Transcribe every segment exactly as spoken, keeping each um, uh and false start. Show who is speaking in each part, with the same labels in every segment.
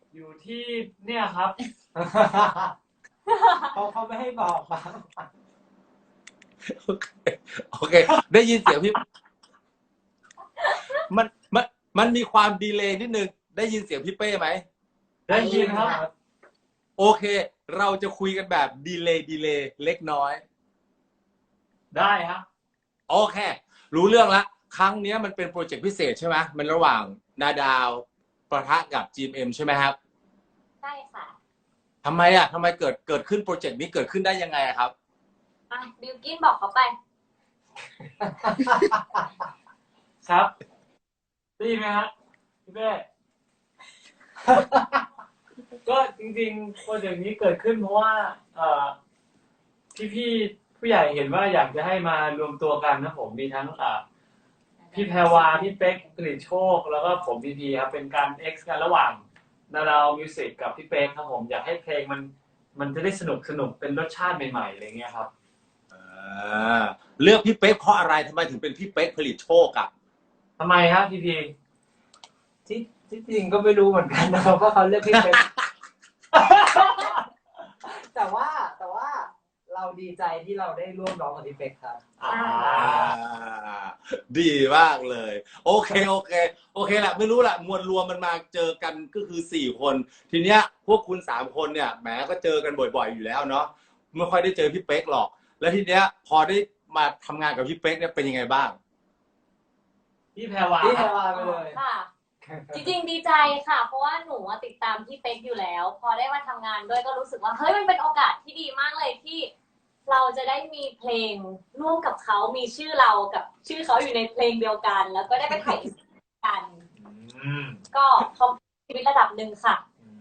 Speaker 1: อยู่ที่เนี่ยครับ
Speaker 2: เขาเขาไม่ให้บอกบ้าง
Speaker 3: โอเคโอเค ได้ยินเสียงพี่มันมันมันมีความดีเลย์นิดนึงได้ยินเสียงพี่เป้ไหม
Speaker 1: ได้ยินครับ
Speaker 3: โอเค เราจะคุยกันแบบดีเลย์ดีเลย์เล็กน้อย
Speaker 1: ได้ครับ
Speaker 3: โอเค รู้เรื่องละครั้งนี้มันเป็นโปรเจกต์พิเศษใช่ไหมมันระหว่างนาดาวประทะกับ จี เอ็ม เอ็ม ใช่ไหมครับ
Speaker 4: ใช่ค่ะ
Speaker 3: ทำไมอ่ะทำไมเกิดเกิดขึ้นโปรเจกต์นี้เกิดขึ้นได้ยังไงอะครับ
Speaker 4: อ่ะบิวกินบอกเขาไป
Speaker 1: ครับได้ยินไหมฮะพี่เป้ ก็จริงๆโปรเจกต์นี้เกิดขึ้นเพราะว่าเอ่อพี่ๆผู้ใหญ่เห็นว่าอยากจะให้มารวมตัวกันนะผมมีทั้งอ่าพี่แพรวาพี่เป๊กกฤษโชคแล้วก็ผมพีพีครับเป็นการ X กันระหว่างนาดาวมิวสิกกับพี่เป๊กครับผมอยากให้เพลงมันมันจะได้สนุกสนุกเป็นรสชาติใหม่ๆอะไรเงี้ยครับ
Speaker 3: อ่าเลือกพี่เป๊กเพราะอะไรทำไมถึงเป็นพี่เป๊กผลิตโชคอ่ะ
Speaker 1: ทำไมครับพีพี
Speaker 2: ที่ที่จริงก็ไม่รู้เหมือนกันนะครับว่าเขาเลือกพี่เป็น แต่ว่าแต่ว่าเราดีใจที่เราได้ร่วมร้องกับพี่เป็กครับ
Speaker 1: อ่า
Speaker 3: ดีมากเลย โอเคโอเคโอเคแหละไม่รู้แหละมวลรวมมันมาเจอกันก็คือสี่คน ทีเนี้ยพวกคุณสามคนเนี่ยแหมก็เจอกันบ่อยๆอยู่แล้วเนาะไม่ค่อยได้เจอพี่เป๊กหรอก แล้วทีเนี้ยพอได้มาทำงานกับพี่เป๊กเนี่ยเป็นยังไงบ้าง
Speaker 1: พี่แพรวา
Speaker 2: พี่
Speaker 1: ค
Speaker 2: แพร
Speaker 1: รับ
Speaker 2: วาไปเลย
Speaker 4: ค่ะ จริงๆดีใจค่ะ เพราะว่าหนูอะติดตามพี่เป๊กอยู่แล้ว พอได้มาทำงานด้วยก็รู้สึกว่าเฮ้ยมันเป็นโอกาสที่ดีมากเลยที่เราจะได้มีเพลงร่วมกับเขามีชื่อเรากับชื่อเขาอยู่ในเพลงเดียวกัน แล้วก็ได้ไปถ่ายกัน
Speaker 1: อืม
Speaker 4: ก็เขาชีวิตระดับหนึ่งค่ะ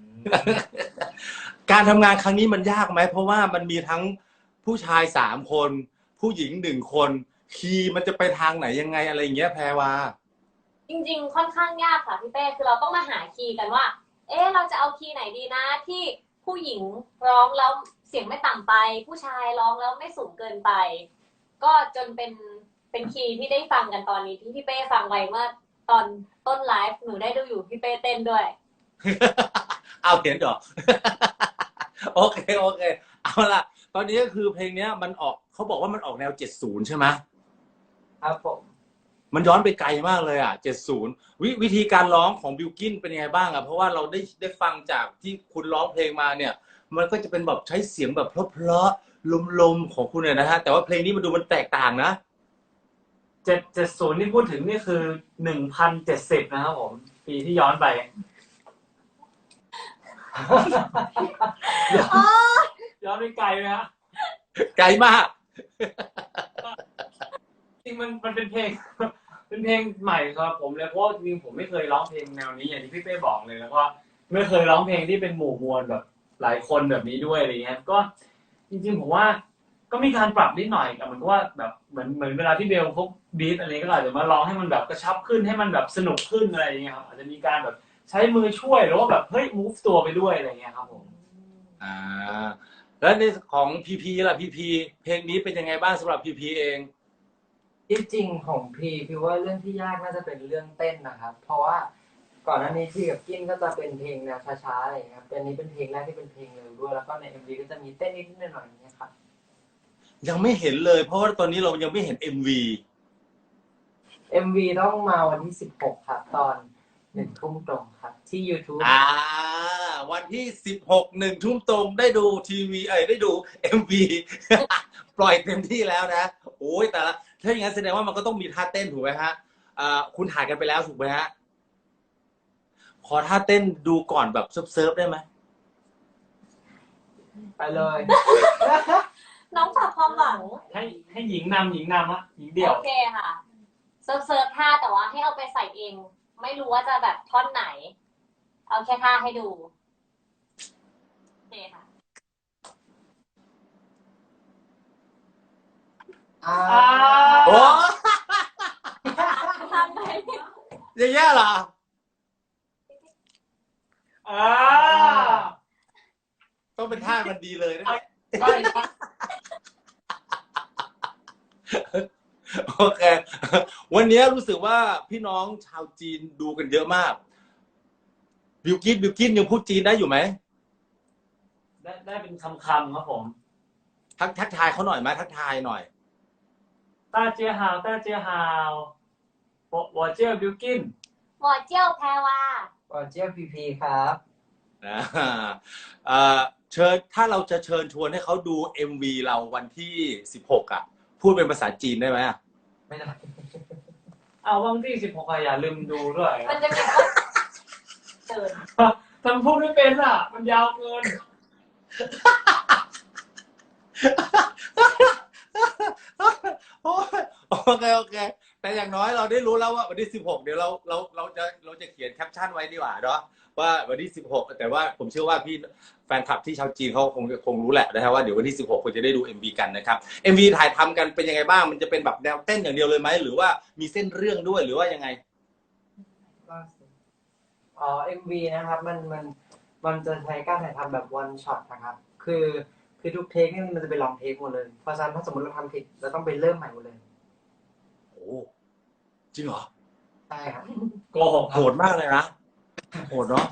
Speaker 3: การทำงานครั้งนี้มันยากไหมเพราะว่ามันมีทั้งผู้ชายสามคน ผู้หญิงหนึ่งคนคีย์มันจะไปทางไหนยังไงอะไรอย่างเงี้ยแพรวา
Speaker 4: จริงๆ ค่อนข้างยากค่ะพี่เป้คือเราต้องมาหาคีย์กันว่า เอ๊ะเราจะเอาคีย์ไหนดีนะที่ผู้หญิงร้องแล้วเสียงไม่ต่ำไป ผู้ชายร้องแล้วไม่สูงเกินไป ก็จนเป็นเป็นคีย์ที่ได้ฟังกันตอนนี้ที่พี่เป้ฟังไว้เมื่อตอนต้นไลฟ์หนูได้ดูอยู่พี่เป้เต้นด้วย
Speaker 3: เอาเห็นเหรอ โอเคโอเคเอาล่ะตอนนี้ก็คือเพลงเนี้ยมันออกเขาบอกว่ามันออกแนวเจ็ดสิบใช่ไหม
Speaker 2: ครับผม
Speaker 3: มันย้อนไปไกลมากเลยอ่ะเจ็ดสิบวิวิธีการร้องของบิลกินเป็นยังไงบ้างอ่ะเพราะว่าเราได้ได้ฟังจากที่คุณร้องเพลงมาเนี่ย มันก็จะเป็นแบบใช้เสียงแบบเพราะๆลมๆของคุณเนี่ยนะฮะแต่ว่าเพลงนี้มันดูมันแตกต่างนะ
Speaker 1: เจ็ดเจ็ดศูนย์ที่พูดถึงนี่คือหนึ่งพันเจ็ดสิบนะครับผม ปีที่ย้อนไป ย้อนไปไกลไหมฮะ
Speaker 3: ไกลมาก
Speaker 1: จริงมันมันเป็นเพลง เป็นเพลงใหม่สำหรับผมเลยเพราะว่าจริงๆผมไม่เคยร้องเพลงแนวนี้อย่างที่พี่เป้บอกเลยแล้วก็ไม่เคยร้องเพลงที่เป็นหมู่มวลแบบหลายคนแบบนี้ด้วยอะไรเงี้ยก็จริงๆผมว่าก็มีการปรับนิดหน่อยแต่เหมือนกับว่าแบบเหมือนเหมือนเวลาที่เบลพกบีทอะไรก็อาจจะมาร้องให้มันแบบกระชับขึ้นให้มันแบบสนุกขึ้นอะไรอย่างเงี้ยครับอาจจะมีการแบบใช้มือช่วยหรือว่าแบบเฮ้ย move ตัวไปด้วยอะไรเงี้ยครับผม
Speaker 3: อ่าแล้วในของพีพีล่ะพีพีเพลงนี้เป็นยังไงบ้างสำหรับพีพีเอง
Speaker 2: ที่จริงของพี่พี่ว่าเรื่องที่ยากน่าจะเป็นเรื่องเต้นนะครับ เพราะว่าก่อนหน้านี้พี่กับกินก็จะเป็นเพลงแนวช้าๆอะไรอย่างเงี้ยครับเป็นนี้เป็นเพลงแรกที่เป็นเพลงเร็วด้วยแล้วก็ใน เอ็ม วี ก็จะมีเต้นนิดๆหน่อยๆอย่างเงี้ยครับ
Speaker 3: ยังไม่เห็นเลยเพราะว่าตอนนี้เรายังไม่เห็น เอ็ม วี
Speaker 2: เอ็ม วี ต้องมาวันที่สิบหกครับตอนหนึ่งทุ่มตรงครับที่ YouTube
Speaker 3: อ่าวันที่สิบหกหนึ่งทุ่มตรงได้ดูทีวีเอ้ยได้ดู เอ็ม วี ปล่อยเต็มที่แล้วนะโอ้ยแต่ละถ้าอย่างนั้นแสดงว่ามันก็ต้องมีท่าเต้นถูกไหมฮะอ่าคุณถ่ายกันไปแล้วถูกไหมฮะขอท่าเต้นดูก่อนแบบเซิร์ฟๆได้ไหม
Speaker 2: ไปเลย
Speaker 4: น้องฝากความหวัง
Speaker 1: ให้ให้หญิงนำหญิงนำฮะหญิงเดี่ยว
Speaker 4: โอเคค่ะเซิร์ฟเซิร์ฟท่าแต่ว่าให้เอาไปใส่เอง ไม่รู้ว่าจะแบบท่อนไหน เอาแค่ท่าให้ดูโอเคค่ะ
Speaker 2: อ่า
Speaker 3: โอ้
Speaker 4: ทำไป
Speaker 3: อย่างเงี้ยเหรอ
Speaker 1: อ่า
Speaker 3: ต้องเป็นท่ามันดีเลยนะ
Speaker 1: ใช่ครับ
Speaker 3: โอเค วันนี้รู้สึกว่าพี่น้องชาวจีนดูกันเยอะมากบิวกินบิวกินยังพูดจีนได้อยู่ไหม
Speaker 1: ได้ได้เป็นคำคำๆครับผม
Speaker 3: ทักทักทายเขาหน่อยไหมทักทายหน่อย
Speaker 1: ต้าเจียฮาวต้าเจียฮาว我我叫บิวกิน
Speaker 4: หมอเจียวแพรวา
Speaker 2: ก่อนเจียวพีพีครับ
Speaker 3: นะเอ่อเชิญถ้าเราจะเชิญชวนให้เขาดู เอ็ม วี เราวันที่สิบหกอ่ะ พูดเป็นภาษาจีนได้ไหมอ่ะ
Speaker 2: ไม่ได้
Speaker 1: เอาวันที่สิบหกอย่าลืมดูด้วย
Speaker 4: มันจะมีคนเดิน
Speaker 1: ทำพูดไม่เป็นอ่ะ มันยาวเกิน
Speaker 3: โอ้ยโอเคโอเค แต่อย่างน้อยเราได้รู้แล้วว่าวันที่สิบหกเดี๋ยวเราเราเราจะเราจะเขียนแคปชั่นไว้ดีกว่าเนาะว่าวันที่สิบหกแต่ว่าผมเชื่อว่าพี่แฟนคลับที่ชาวจีนเขาคงคงรู้แหละนะครับว่าเดี๋ยววันที่สิบหกคุณจะได้ดู เอ็ม วี กันนะครับ เอ็ม วี ถ่ายทำกันเป็นยังไงบ้างมันจะเป็นแบบแนวเต้นอย่างเดียวเลยไหมหรือว่ามีเส้นเรื่องด้วยหรือว่ายังไง
Speaker 2: อ๋อ เอ็ม วี นะครับ มัน มัน มันจะใช้การถ่ายทำแบบ one shot นะครับ คือ คือทุกเทคนี่มันจะเป็นลองเทคหมดเลย เพราะฉะนั้นถ้าสมมติเราทำผิดเราต้องไปเริ่มใหม่หมดเลย
Speaker 3: โอ้จริงเหรอ
Speaker 2: ใช่ครับ
Speaker 1: โกหก
Speaker 3: โหดมากเลยนะโหดเนาะ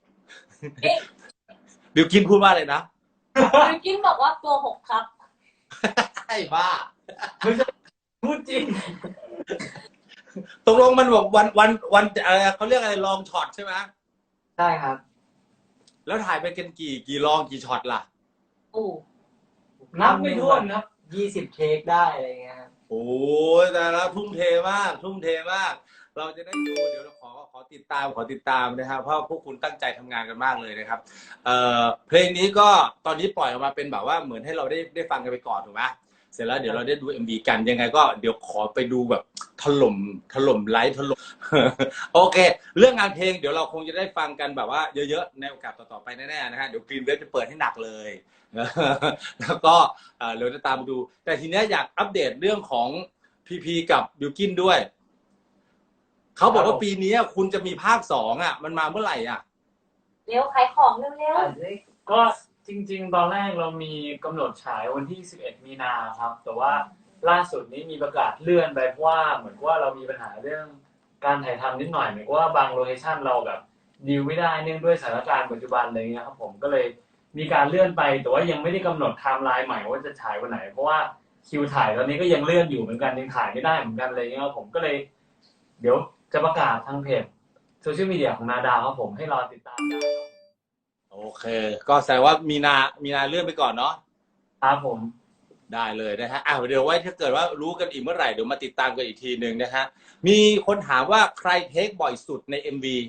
Speaker 3: บิวกินพูดว่าอะไรนะ
Speaker 4: บิวกินบอกว่าโกหกครับ
Speaker 3: ไอ้บ้า
Speaker 1: พูดจริง
Speaker 3: ตกลงมันบอกวันวันวันอะไรเขาเรียกอะไรลองช็อตใช่ไหม
Speaker 2: ใช่ครับ
Speaker 3: แล้วถ่ายไปกันกี่กี่ลองกี่ช็อตล่ะ
Speaker 4: โอ้
Speaker 1: นับไม่ถ้วนนะ
Speaker 2: ยี่สิบเทคได้อะไรเงี้ยครับ
Speaker 3: โอ้ยแต่ละทุ่มเทมาก ทุ่มเทมาก เราจะได้ดูเดี๋ยวเราขอขอติดตามขอติดตามนะครับเพราะพวกคุณตั้งใจทำงานกันมากเลยนะครับเอ่อเพลงนี้ก็ตอนนี้ปล่อยออกมาเป็นแบบว่าเหมือนให้เราได้ได้ฟังกันไปก่อนถูกไหมเสร็จแล้วเดี๋ยวเราได้ดู เอ็ม วี กันยังไงก็เดี๋ยวขอไปดูแบบถล่มถล่มไลฟ์ถล่ม โอเค เรื่องงานเพลงเดี๋ยวเราคงจะได้ฟังกันแบบว่าเยอะๆในโอกาสต่อๆไปแน่ๆนะฮะเดี๋ยวกรีนเวฟจะเปิดให้หนักเลย แล้วก็เอ่อเดี๋ยวจะตามมาดู แต่ทีเนี้ยอยากอัปเดตเรื่องของพีพีกับบิวกินด้วยเขาบอกว่าปีนี้คุณจะมีภาคสองอ่ะ มันมาเมื่อไหร่อ่ะ
Speaker 4: เร็วขายของเร็ว
Speaker 1: ก็จริงๆ ตอนแรกเรามีกำหนดฉายวันที่สิบเอ็ดมีนาครับ แต่ว่าล่าสุดนี้มีประกาศเลื่อนไปเพราะว่าเหมือนว่าเรามีปัญหาเรื่องการถ่ายทำนิดหน่อยเหมือนว่าบางโลเคชั่นเราแบบดีลไม่ได้เนื่องด้วยสถานการณ์ปัจจุบันอะไรเงี้ยครับผมก็เลยมีการเลื่อนไปแต่ว่ายังไม่ได้กำหนดไทม์ไลน์ใหม่ว่าจะฉายวันไหน เพราะว่าคิวถ่ายตอนนี้ก็ยังเลื่อนอยู่เหมือนกันยังถ่ายไม่ได้เหมือนกันอะไรเงี้ยครับผมก็เลย เดี๋ยวจะประกาศทางเพจโซเชียลมีเดียของนาดาวครับผมให้รอติดตามได้ครับ
Speaker 3: โอเค ก็แสดงว่ามีนา มีนาเลื่อนไปก่อนเนาะ
Speaker 1: ครับผม
Speaker 3: ได้เลยนะฮะอ่ะเดี๋ยวไว้ถ้าเกิดว่ารู้กันอีกเมื่อไหร่เดี๋ยวมาติดตามกันอีกทีหนึ่งนะฮะ มีคนถามว่าใครเทคบ่อยสุดใน เอ็ม วี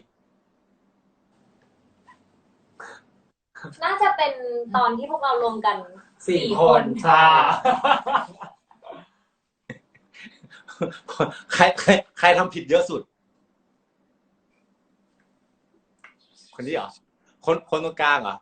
Speaker 4: ๆน่าจะเป็นตอนที่พวกเรารวมกัน
Speaker 2: สี่
Speaker 4: สี่
Speaker 2: ค
Speaker 4: คน น
Speaker 2: ใช่
Speaker 3: ใครใครใครทำผิดเยอะสุด คนนี้เหรอ คนคนตรงกลางเหรอ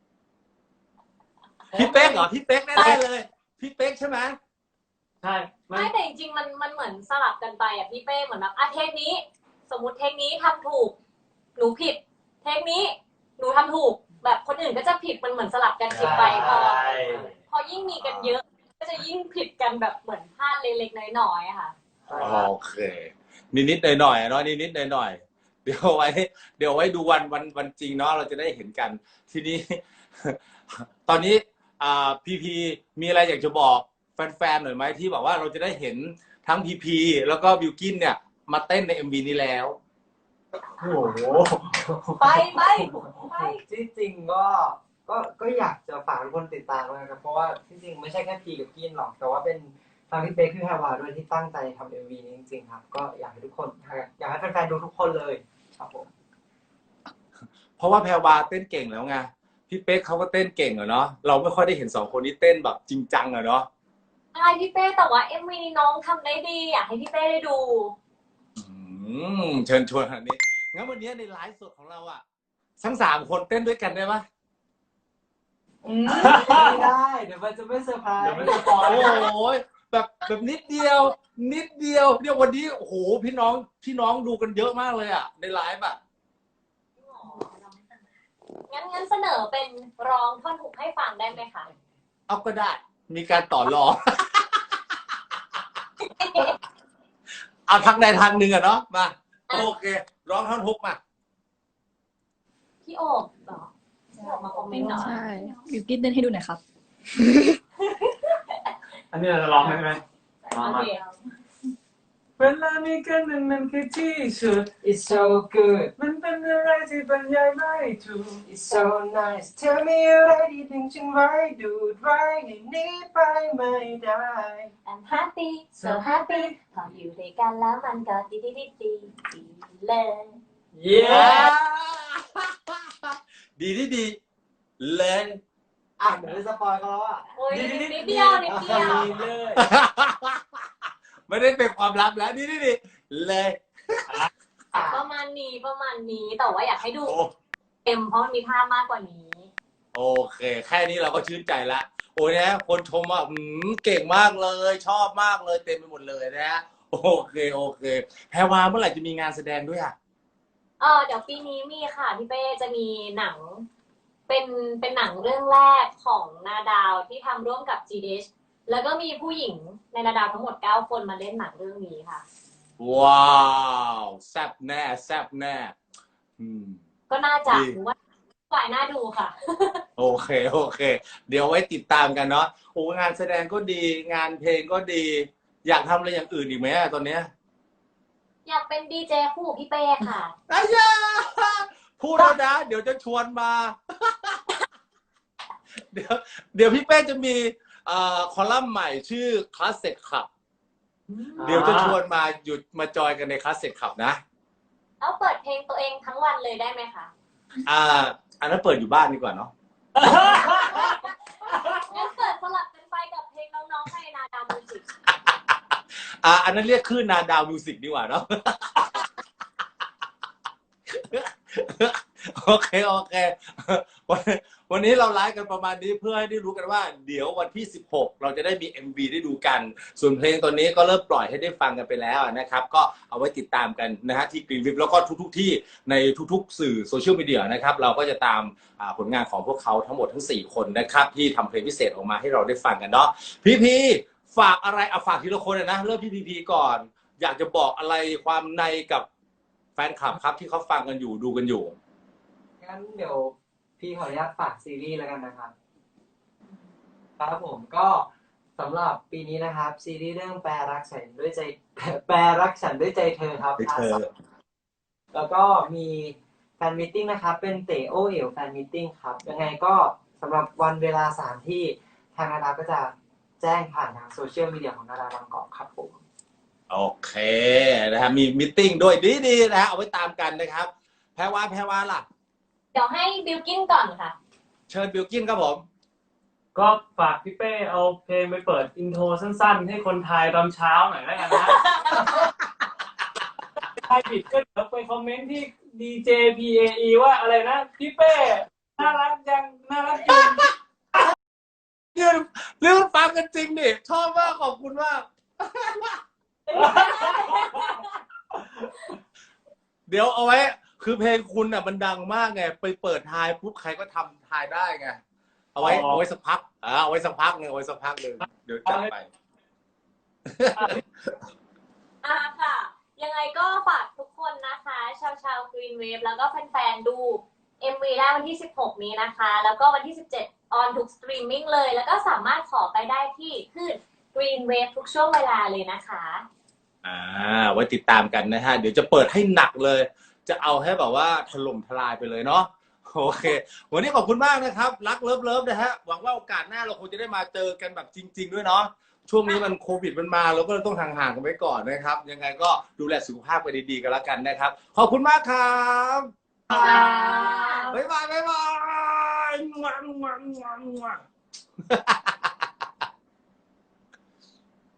Speaker 3: พี่เป๊กเหรอ พี่เป๊กแน่ๆเลย พี่เป๊กใช่ไหม
Speaker 1: ใช่ไม่
Speaker 4: ไม่แต่จริงๆมันมันเหมือนสลับกันไปอ่ะพี่เป้เหมือนแบบอ่ะเทคนี้ สมมติเทคนี้ทำถูก หนูผิด เทคนี้ หนูทำถูก แบบคนอื่นก็จะผิดมันเหมือนสลับกันผิดไปพอ
Speaker 1: ใช่
Speaker 4: พอยิ่งมีกันเยอะ ก็จะยิ่งผิดกันแบบเหมือนพลาดเล็กๆน้อยๆอะค่ะ
Speaker 3: โอเค นิดๆหน่อยๆเนาะนิดๆหน่อยๆเดี๋ยวไว้ เดี๋ยวไว้ดูวันวันวันจริงเนาะเราจะได้เห็นกัน ทีนี้ ตอนนี้อ่าพีพีมีอะไรอยากจะบอกแฟนๆหน่อยไหมที่บอกว่าเราจะได้เห็นทั้งพีพีแล้วก็บิวกินเนี่ย มาเต้นใน เอ็ม วี นี้แล้ว
Speaker 1: โอ้โห
Speaker 4: ไปไปไป
Speaker 2: ที่จริงก็ก็ก็อยากจะฝากทุกคนติดตามนะครับเพราะว่าที่จริงไม่ใช่แค่พีกับกินหรอกแต่ว่าเป็นทางพี่เป๊กพี่แพรวาด้วยที่ตั้งใจทำเอ็มวีนี้จริงๆครับก็อยากให้ทุกคนอยากให้แฟนๆดูทุกคนเลยครับผม
Speaker 3: เพราะว่าแพรวาเต้นเก่งแล้วไงพี่เป๊กเขาก็เต้นเก่งอะเนาะเราไม่ค่อยได้เห็นสองคนนี้เต้นแบบจริงจังอะเนาะ
Speaker 4: ใช่พี่เป้แต่ว่าเอ็มวีนี้น้องทำได้ดีอยากให้พี่เป้ได้ดู
Speaker 3: อืมเชิญชวนอันนี้งั้นวันนี้ในไลฟ์สดของเราอะทั้งสามคนเต้นด้วยกันได้ปะ
Speaker 2: ไม่ได้เดี๋ยวมันจะไม่เซอร์ไพรส์
Speaker 1: เดี๋ยวมันจะปล่อย
Speaker 3: โอ้ยแบบแบบนิดเดียว นิดเดียวเนี่ยวันนี้โอ้โหพี่น้องพี่น้องดูกันเยอะมากเลยอะในไลฟ์อะ
Speaker 4: งั้นงั้นเสนอเป็นร้องท่อนฮุกให้ฟังได้ไหมคะ
Speaker 3: เอาก็ได้ มีการต่อรอง เอาทางใดทางหนึ่งอะเนาะมาโอเค ร้องท่อนฮุกมา
Speaker 4: พี่โอบเหรอพี่โอบมาคอมเมนต์เหรอ
Speaker 5: ใช่บิวกิ้นเต้นให้ดูหน่อยครับ
Speaker 1: อันนี้เราจะร้องไหมใช่ไหม
Speaker 4: โอเค
Speaker 1: เวลามีกันหนึ่งมันคือที่สุด
Speaker 2: It's so good
Speaker 1: มันเป็นอะไรที่บรรยายไม่ถูก
Speaker 2: It's so nice Tell me อะไรที่ถึงฉันไว้ดูดไว้ให้หนี้ไปไม่ได้
Speaker 4: I'm happy so happy พออยู่ด้วยกันแล้วมันก็ดีดีดีดีดีเลย
Speaker 1: เย้
Speaker 3: ดีที่ดีเลย
Speaker 2: อ่ะเดี๋ยวจะสปอยเขาแล้วอ่ะ
Speaker 4: โอ้ยนิดเดียวนิดเดียว
Speaker 1: เลย
Speaker 3: ไม่ได้เป็นความลับแล้วดีที่ดีเลย
Speaker 4: ประมาณนี้ประมาณนี้แต่ว่าอยากให้ดู
Speaker 3: โอ้
Speaker 4: เต็มเพราะมันมีภาพมากกว่านี้
Speaker 3: โอเค แค่นี้เราก็ชื่นใจละโอ้ยนะคนชมว่าอืมเก่งมากเลย ชอบมากเลยเต็มไปหมดเลยนะฮะโอเคโอเคแพรวาเมื่อไหร่จะมีงานแสดงด้วยอ่ะ
Speaker 4: เออเดี๋ยวปีนี้มีค่ะพี่เป้จะมีหนัง เป็นเป็นหนังเรื่องแรกของนาดาวที่ทำร่วมกับ จี ดี เอช แล้วก็มีผู้หญิงในนาดาวทั้งหมดเก้าคนมาเล่นหนังเรื่องนี้ค่ะ
Speaker 3: ว้าวแซ่บแน่แซ่บแน่อืม
Speaker 4: ก็น่าจะ
Speaker 3: ดี
Speaker 4: หรือว่าฝ่ายน่าดูค่ะ
Speaker 3: โอเคโอเค เดี๋ยวไว้ติดตามกันเนาะโอ้งานแสดงก็ดี งานเพลงก็ดี อยากทำอะไรอย่างอื่นอีกไหมอะตอนเนี้ย
Speaker 4: อยากเป็นดีเจคู่กับพี่เป้ค่ะ
Speaker 3: อายาพูดแล้วนะ เดี๋ยวจะชวนมา เดี๋ยวเดี๋ยวพี่เป้จะมีเอ่อคอลัมน์ใหม่ชื่อ Classic Club เดี๋ยวจะชวนมาหยุดมาจอยกันใน Classic Club นะ
Speaker 4: แล้วเปิดเพลงตัวเองทั้งวันเลยได้ไหมคะ
Speaker 3: อ่า อันนั้นเปิดอยู่บ้านดีกว่าเนาะ
Speaker 4: งั้นเปิดสลับกันไปกับเพลงน้องๆในนาดาวมิวสิก
Speaker 3: อ่า อันนั้นเรียกคลื่นนาดาวมิวสิกดีกว่าเนาะ โอเคโอเควันวันนี้เราไลฟ์กันประมาณนี้เพื่อให้ได้รู้กันว่า เดี๋ยววันที่สิบหกเราจะได้มี เอ็ม วี ได้ดูกัน ส่วนเพลงตอนนี้ก็เริ่มปล่อยให้ได้ฟังกันไปแล้วนะครับ ก็เอาไว้ติดตามกันนะฮะที่กรีนวิปแล้วก็ทุกๆที่ในทุกๆสื่อโซเชียลมีเดียนะครับ เราก็จะตามผลงานของพวกเขาทั้งหมดทั้งสี่คนนะครับที่ทำเพลงพิเศษออกมาให้เราได้ฟังกันเนาะพี่พีฝากอะไรเอาฝากทีละคนเลยนะเริ่มที่พีพีก่อน อยากจะบอกอะไรความในกับแฟนคลับครับที่เขาฟังกันอยู่ดูกันอยู่
Speaker 2: งั้นเดี๋ยวพี่ขออนุญาตฝากซีรีส์แล้วกันนะครับครับผมก็สำหรับปีนี้นะครับ ซีรีส์เรื่องแปรรักฉันด้วยใจแปรรักฉันด้วยใจเธอครับ
Speaker 3: ด้วยเธอ
Speaker 2: แล้วก็มีแฟนมิทติ้งนะครับ เป็นเตโอเอ๋วแฟนมิทติ้งครับ ยังไงก็สำหรับวันเวลาสถานที่ทางนาดาก็จะแจ้งผ่านทางโซเชียลมีเดียของนาดาบางกอกครับผม
Speaker 3: โอเคนะฮะมีมิทติ้งด้วยดีๆนะฮะเอาไว้ตามกันนะครับแพรวาแพรวาล่ะ
Speaker 4: เดี๋ยวให้บิลกินก่อนค่ะ
Speaker 3: เชิญบิลกินครับผม
Speaker 1: ก็ฝากพี่เป้เอาเพลงไปเปิดอินโทรสั้นๆ ให้คนไทยตอนเช้าหน่อยแล้วกันนะใครผิดก็เดี๋ยวไปคอมเมนต์ที่ ดี เจ พี เอ อี ว่าอะไรนะพี่เป้น่ารักจังน่ารักจริง
Speaker 3: เรื่องเรื่องฟังกันจริงดิชอบมากขอบคุณมาก เดี๋ยวเอาไว้ คือเพลงคุณอ่ะมันดังมากไงไปเปิดทายปุ๊บใครก็ทำทายได้ไงเอาไว้เอาไว้สักพักอ่าเอาไว้สักพักหนึ่งเอาไว้สักพักหนึ่งเดี๋ยวจัดไป
Speaker 4: อ่าค่ะ ยังไงก็ฝากทุกคนนะคะ ชาวชาวกรีนเวฟแล้วก็แฟนๆดู เอ็ม วี ได้วันที่สิบหกนี้นะคะ แล้วก็วันที่สิบเจ็ดออนทุกสตรีมมิ่งเลย แล้วก็สามารถขอไปได้ที่คลื่น Green Wave ทุกช่วงเวลาเลยนะคะ
Speaker 3: อ่าไว้ติดตามกันนะฮะเดี๋ยวจะเปิดให้หนักเลย จะเอาให้แบบว่าถล่มทลายไปเลยเนาะโอเค วันนี้ขอบคุณมากนะครับรักเลิฟเลิฟนะฮะหวังว่าโอกาสหน้าเราคงจะได้มาเจอกันแบบจริง ๆด้วยเนาะช่วงนี้มันโควิดมันมาเราก็เลยต้องห่างๆกันไว้ก่อนนะครับ ยังไงก็ดูแลสุขภาพไปดีๆกันแล้วกันนะครับขอบคุณมากครับบ๊ายบายบ๊ายบาย